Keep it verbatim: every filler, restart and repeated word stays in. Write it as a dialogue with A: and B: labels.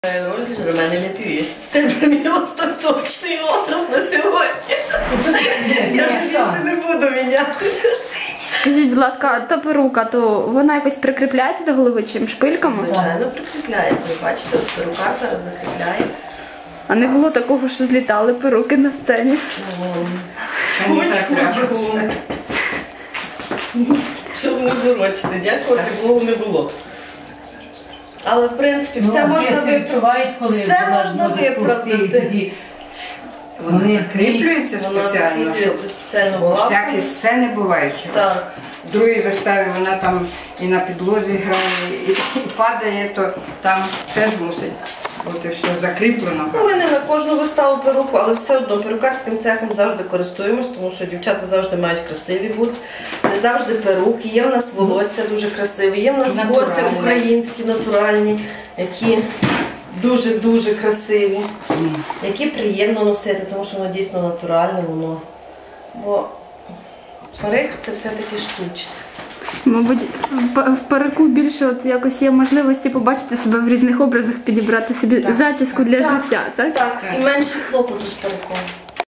A: Роль мене не п'є. Це мій остаточний образ на сьогодні. Я більше не буду мінятися.
B: Скажіть, будь ласка, а та перука, то вона якось прикріпляється до голови чим шпильками?
A: Звичайно, прикріпляється. Ви бачите, от перукар зараз закріпляє.
B: А не було такого, що злітали перуки на сцені?
A: Хоч-хоч. Щоб не зорочити. Дякувати Богу, не було. Але, в принципі, все
C: ну,
A: можна виправдати. Все можна виправдати.
C: Вони закріплюються спеціально, щоб
A: спеціально
C: всякі сцени бувають.
A: Так.
C: В другій виставі вона там і на підлозі грає, і, і падає, то там теж мусить бути все закріплено.
A: Ну, ми не на кожну виставу перуку, але все одно перукарським цехом завжди користуємось, тому що дівчата завжди мають красиві бути. Не завжди перуки. Є в нас волосся дуже красиві, є в нас коси українські, натуральні, які дуже-дуже красиві, які приємно носити, тому що воно дійсно натуральне, воно. Бо парик – це все-таки штучне.
B: Мабуть, в парику більше от якось є можливості побачити себе в різних образах, підібрати собі
A: Так.
B: зачіску для
A: Так.
B: життя, так?
A: Так, і менше клопоту з париком.